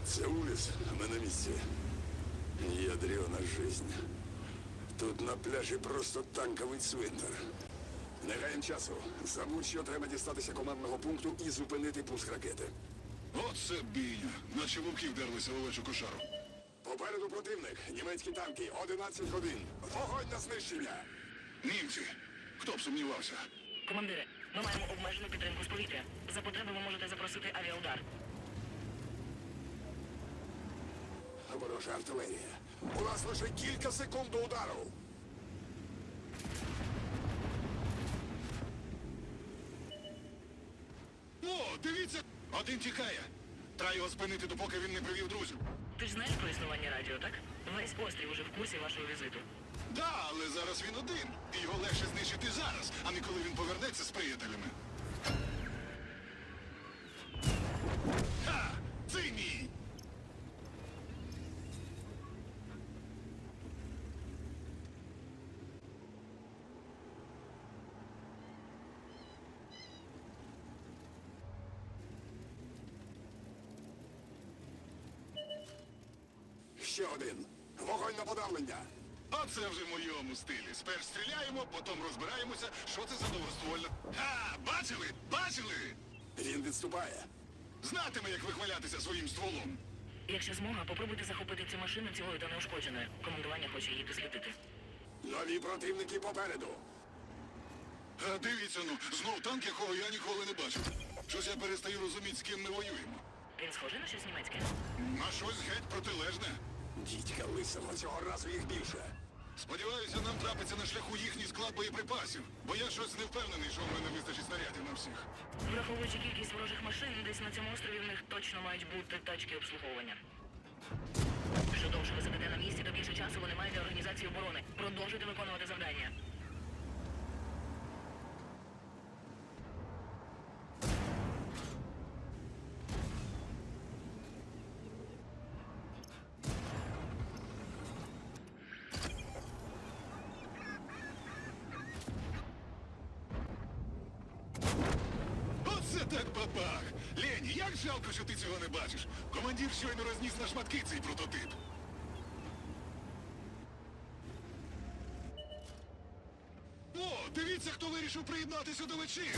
Це Уліс, ми на місці. Ядрена жизнь. Тут на пляжі просто танковий цвинтар. Не гаєм часу. Забудь, що треба дістатися командного пункту і зупинити пуск ракети. Оце бійня. Наче вовки вдерлися в овечу кошару. Попереду противник. Німецькі танки. 11 годин. Вогонь на знищення. Німці. Хто б сумнівався? Командире, ми маємо обмежену підтримку з повітря. За потреби ви можете запросити авіаудар. Ворожа артилерія. У нас лише кілька секунд до удару. О, дивіться! Один тікає. Треба його спинити, допоки він не привів друзів. Ти ж знаєш про існування радіо, так? Весь острів уже в курсі вашого візиту. Да, але зараз він один. І його легше знищити зараз, а не коли він повернеться з приятелями. Ха! Це мій! Ще один. Вогонь на подавлення. Оце вже в моєму стилі. Спершу стріляємо, потім розбираємося, що це за довгоствольна. Ха! Бачили? Бачили? Він відступає. Знатиме, як вихвалятися своїм стволом. Якщо змога, попробуйте захопити цю машину цілою та неушкодженою. Командування хоче її дослідити. Нові противники попереду. Дивіться, ну, знов танк, якого я ніколи не бачив. Щось я перестаю розуміти, з ким ми воюємо. Він схожий на щось німецьке? На щось геть протилежне. Дідька лисого, цього разу їх більше. Сподіваюся, нам трапиться на шляху їхній склад боєприпасів, бо я щось не впевнений, що в мене вистачить снарядів на всіх. Враховуючи кількість ворожих машин, десь на цьому острові в них точно мають бути тачки обслуговування. Що довше ви сидите на місці, то більше часу вони мають для організації оборони. Продовжуйте виконувати завдання. Оце так бабах! Лені, як жалко, що ти цього не бачиш. Командир щойно розніс на шматки цей прототип. О, дивіться, хто вирішив приєднатися до вечірки.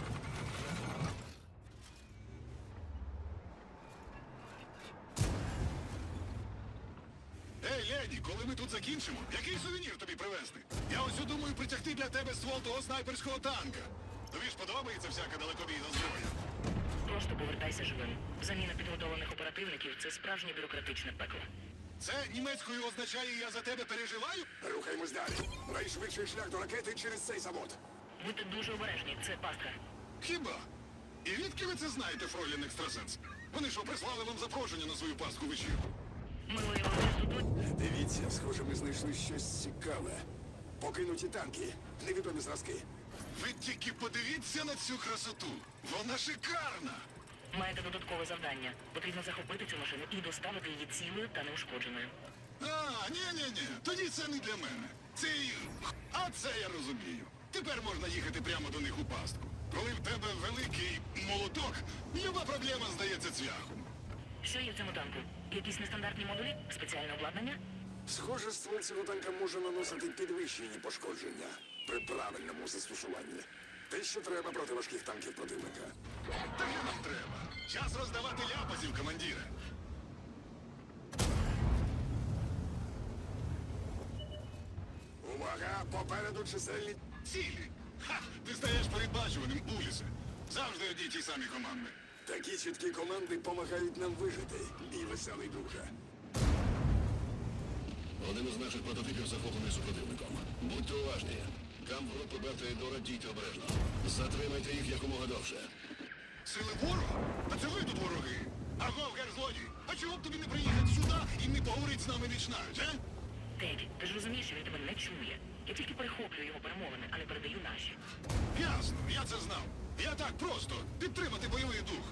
Ей, Лені, коли ми тут закінчимо, який сувенір тобі привезти? Я ось думаю притягти для тебе ствол того снайперського танка. Тобі ж подобається всяка далекобійна зброя? Просто повертайся живим. Заміна підготовлених оперативників – це справжнє бюрократичне пекло. Це німецькою означає «я за тебе переживаю»? Рухаємось далі. Найшвидший шлях до ракети через цей завод. Будьте дуже обережні, це пастка. Хіба? І відки ви це знаєте, фройлін екстрасенс? Вони що, прислали вам запрошення на свою паску вечірку? Ми воювали тут. Дивіться, схоже, ми знайшли щось цікаве. Покинуті танки, невідомі зразки. Ви тільки подивіться на цю красоту. Вона шикарна. Маєте додаткове завдання. Потрібно захопити цю машину і доставити її цілою та неушкодженою. А, ні. Тоді це не для мене. Це і... А це я розумію. Тепер можна їхати прямо до них у пастку. Коли в тебе великий молоток, люба проблема здається цвяхом. Що є в цьому танку? Якісь нестандартні модулі? Спеціальне обладнання? Схоже, ствол цього танка може наносити підвищені пошкодження при правильному застосуванні. Те, що треба проти важких танків противника. Так і нам треба. Час роздавати ляпасів, командире. Увага! Попереду чисельні... Цілі. Ха! Ти стаєш передбачуваним, Улісе. Завжди одні й ті самі команди. Такі чіткі команди допомагають нам вижити, мій веселий друже. Один із наших прототипів захоплений супротивником. Будьте уважні. Камп групи Бета і Дора, дійте обережно. Затримайте їх якомога довше. Сили ворога? Та це ви тут вороги. Агов, герзлодій, а чого б тобі не приїхати сюди і не поговорити з нами віч-навіч, а? Теді, ти ж розумієш, що він тебе не чує. Я тільки перехоплюю його перемовини, а не передаю наші. Ясно, я це знав. Я так просто підтримати бойовий дух.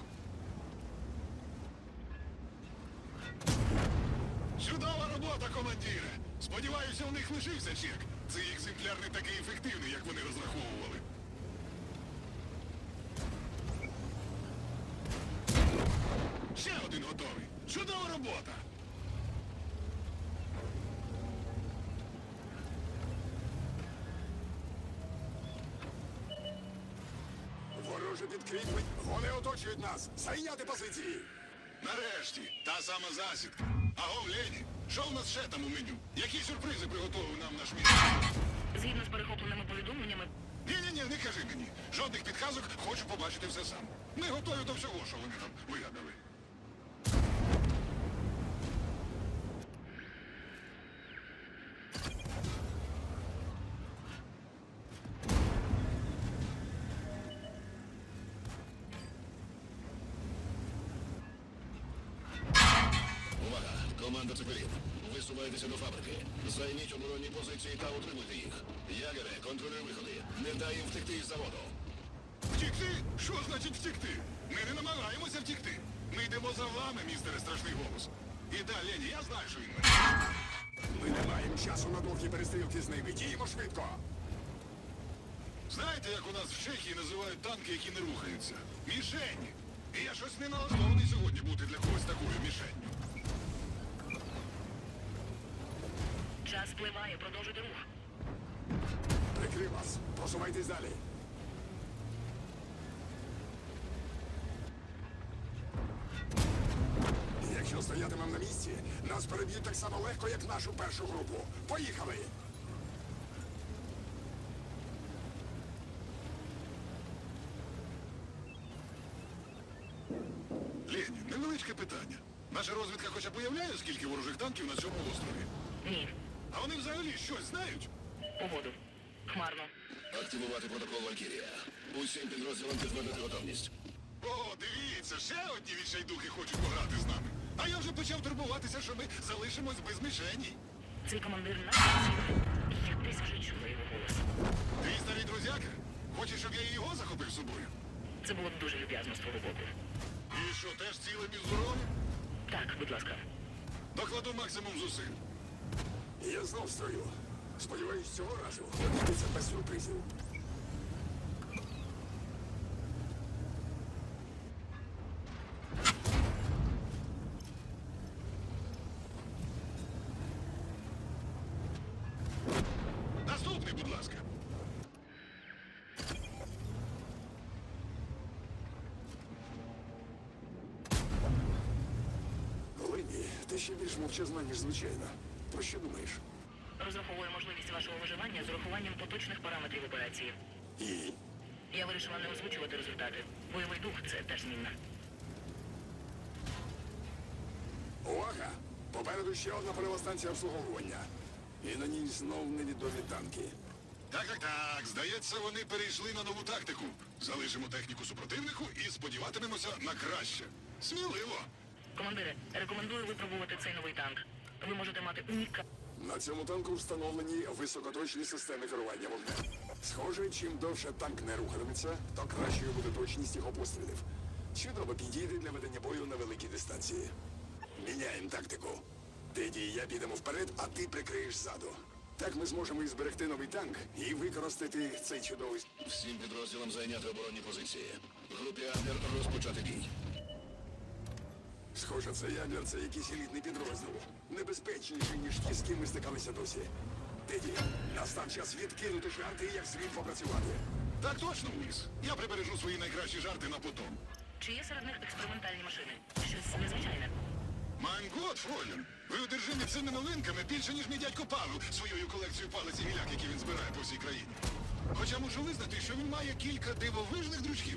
Чудова робота, командире. Сподіваюся, у них лишився чек. Цей екземпляр не такий ефективний, як вони розраховували. Ще один готовий. Чудова робота! Вороже підкріплень. Вони оточують нас. Зайняти позиції. Нарешті, та сама засідка. Аго, Лені, що в нас ще там у меню? Які сюрпризи приготував нам наш міст? Згідно з перехопленими повідомленнями, Ні-ні-ні, не кажи мені. Жодних підказок, хочу побачити все сам. Ми готові до всього, що вони там вигадали. Увага! Команда Цепелін. Висувайтеся до фабрики. Займіть оборонні позиції та утримуйте їх. Ягере, контролюй виходи. Не дай їм втекти із заводу. Втікти? Що значить втікти? Ми не намагаємося втікти. Ми йдемо за вами, містере Страшний Голос. І да, Лені, я знаю, що він мене. Ми не маємо часу на довгі перестрілки з ними. Діємо швидко. Знаєте, як у нас в Чехії називають танки, які не рухаються? Мішені. І я щось не налаштований сьогодні бути для когось такою мішенню. час спливає, продовжуйте рух. Прикрив вас. Просувайтесь далі. Якщо стоятимемо на місці, нас переб'ють так само легко, як нашу першу групу. Поїхали! Лені, невеличке питання. Наша розвідка хоча б уявляє, скільки ворожих танків на цьому острові? Ні. А вони взагалі щось знають? Погоду. Хмарно. Активувати протокол Валькірія. Усім підрозділам підтвердити готовність. О, дивіться, ще одні відчайдухи хочуть пограти з нами. А я вже почав турбуватися, що ми залишимось без мішені. Цей командир нашої цілі. Я десь вже чула його голос. Твій старий друзяка? Хочеш, щоб я і його захопив з собою? Це було б дуже люб'язно з твого боку. І що, теж цілим і здоровим? Так, будь ласка. Докладу максимум зусиль. Я знов в строю. Сподіваюсь, цього разу обійдеться без сюрпризів. Наступний, будь ласка. Лені, ти ще більш мовчазна, ніж звичайно. Про що думаєш? Розраховую можливість вашого виживання з урахуванням поточних параметрів операції. І? Я вирішила не озвучувати результати. Бойовий дух це теж змінна. Увага! Попереду ще одна польова станція обслуговування. І на ній знов невідомі танки. Так. Здається, вони перейшли на нову тактику. Залишимо техніку супротивнику і сподіватимемося на краще. Сміливо. Командире, рекомендую випробувати цей новий танк. Ви можете мати На цьому танку встановлені високоточні системи керування вогнем. Схоже, чим довше танк не рухатиметься, то кращою буде точність його пострілів. Чудово підійде для ведення бою на великій дистанції. Міняємо тактику. Теді і я підемо вперед, а ти прикриєш ззаду. Так ми зможемо і зберегти новий танк, і використати цей чудовий... Всім підрозділам зайняти оборонні позиції. Групі Ангер розпочати бій. Схоже, цей Янглер – це якийсь елітний підрозділ. Небезпечніший, ніж ті, з ким ми стикалися досі. Теді, настав час відкинути жарти і як слід попрацювати. Так точно, Уіс. Я прибережу свої найкращі жарти на потом. Чи є серед них експериментальні машини? Щось незвичайне. Майн год, Фройлен, ви одержимі цими новинками більше, ніж мій дядько Павел своєю колекцією палиць і гіляк, які він збирає по всій країні. Хоча мушу визнати, що він має кілька дивовижних дручків.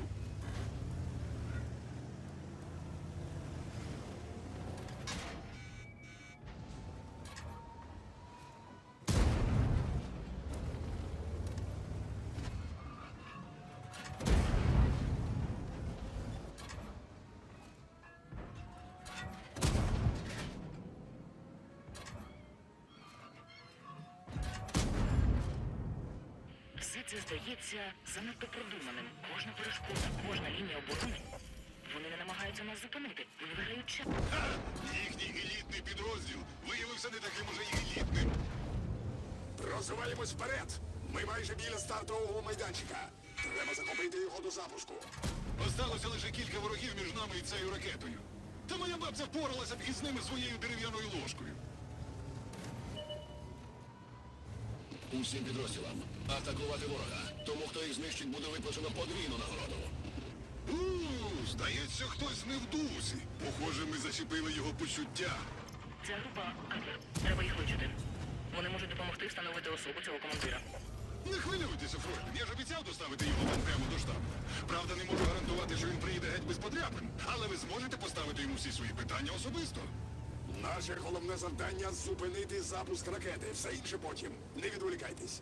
Все це здається занадто продуманим. Кожна перешкода, кожна лінія оборони. Вони не намагаються нас зупинити. Вони виграють час. Ха! Їхній елітний підрозділ виявився не таким уже й елітним. Просуваємось вперед! Ми майже біля стартового майданчика. Треба захопити його до запуску. Осталося лише кілька ворогів між нами і цією ракетою. Та моя бабця б запоралася б із ними своєю дерев'яною ложкою. Усім підрозділам атакувати ворога. Тому, хто їх знищить, буде виплачено подвійну нагороду. Здається, хтось не в дусі. Похоже, ми зачепили його почуття. Ця група Адлер. Треба їх вичути. Вони можуть допомогти встановити особу цього командира. Не хвилюйтеся, Фройден, я ж обіцяв доставити його вам прямо до штабу. Правда, не можу гарантувати, що він приїде геть без подряпин, але ви зможете поставити йому всі свої питання особисто. Наше головне завдання зупинити запуск ракети. Все інше потім. Не відволікайтесь.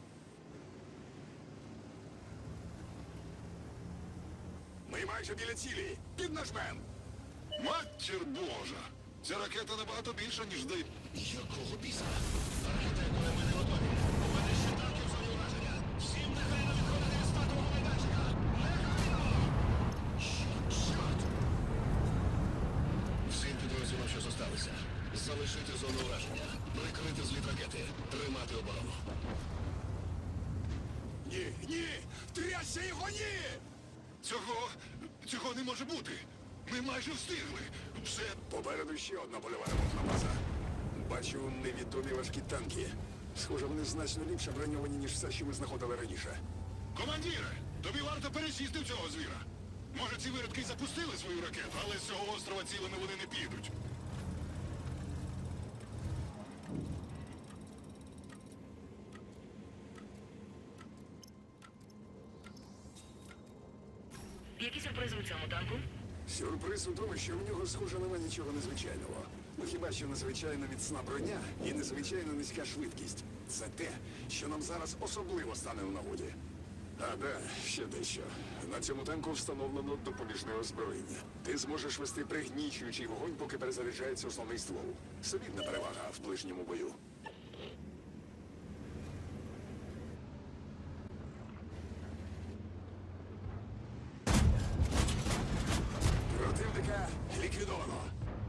Ми майже біля цілі. Піднажмем. Матір Божа! Ця ракета набагато більша, ніж здається. Якого біса? Архітектори, ми не готові. У мене ще танки в зоні ураження. Всім негайно відходити від стартового майданчика. Негайно! Чорт! Всім підрозділам, що зосталися. Залишити зону ураження. Прикрити зліт ракети. Тримати оборону. Ні, ні! Трясся його, ні! Цього не може бути. Ми майже встигли. Все. Попереду ще одна польова ремонтна база. Бачу невідомі важкі танки. Схоже, вони значно ліпше броньовані, ніж все, що ми знаходили раніше. Командіре, тобі варто пересісти в цього звіра. Може, ці виродки й запустили свою ракету, але з цього острова цілими вони не підуть. Які сюрпризи у цьому танку? Сюрприз у тому, що в нього, схоже, нема нічого незвичайного. Ну хіба що незвичайно міцна броня і незвичайно низька швидкість. Це те, що нам зараз особливо стане у нагоді. А да, ще дещо. На цьому танку встановлено допоміжне озброєння. Ти зможеш вести пригнічуючий вогонь, поки перезаряджається основний ствол. Солідна перевага в ближньому бою. Противника ліквідовано.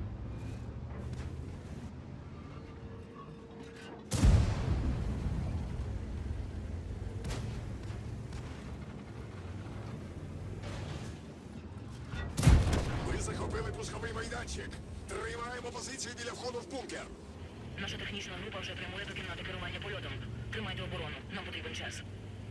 Ми захопили пусковий майданчик. Тримаємо позицію біля входу в бункер. Наша технічна група вже прямує до кімнати керування польотом. Тримайте оборону. Нам потрібен час.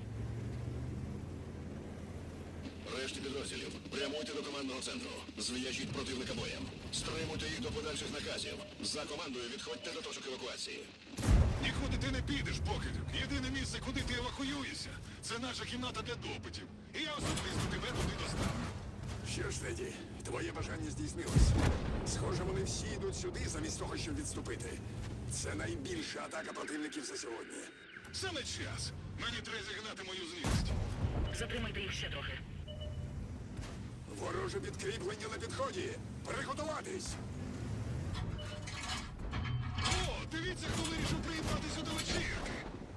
Решті підрозділів, прямуйте до командного центру. Зв'яжіть противника боєм. Стримуйте їх до подальших наказів. За командою відходьте до точок евакуації. Нікуди ти не підеш, покидьок. Єдине місце, куди ти евакуюєшся, це наша кімната для допитів. І я особисто тебе туди доставлю. Що ж, Теді, твоє бажання здійснилось. Схоже, вони всі йдуть сюди замість того, щоб відступити. Це найбільша атака противників за сьогодні. Саме час. Мені треба зігнати мою злість. Затримайте їх ще трохи. Вороже підкріплення на підході. Приготуватись! О, дивіться, хто вирішив приїбатися до вечірки.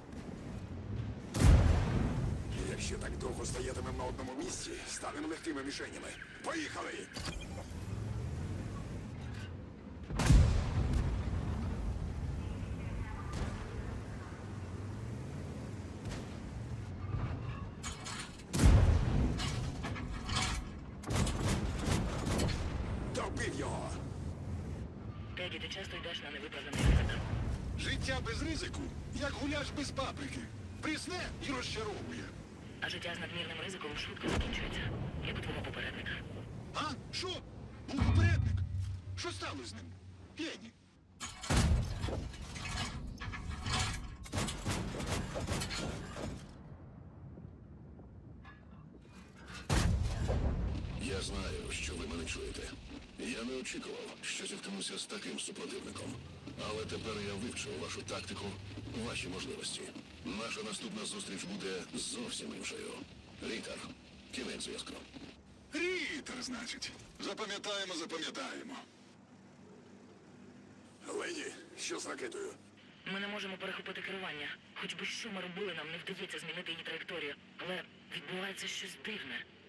Якщо так довго стоятимемо на одному місці, станемо легкими мішенями. Поїхали! Добив його! Теді, ти часто йдеш на невиправданий ризик. Життя без ризику, як гуляш без паприки. Прісне і розчаровує. А життя з надмірним ризиком швидко закінчується, як у твого попередника. А? Що? Був попередник? Що сталося з ним? Єні. Я знаю, що ви мене чуєте. Я не очікував, що зіткнуся з таким супротивником. Але тепер я вивчив вашу тактику, ваші можливості. Наша наступна зустріч буде зовсім іншою. Рітер, кінець зв'язку. Рітер, значить. Запам'ятаємо. Леді, що з ракетою? Ми не можемо перехопити керування. Хоч би що ми робили, нам не вдається змінити її траєкторію. Але відбувається щось дивне.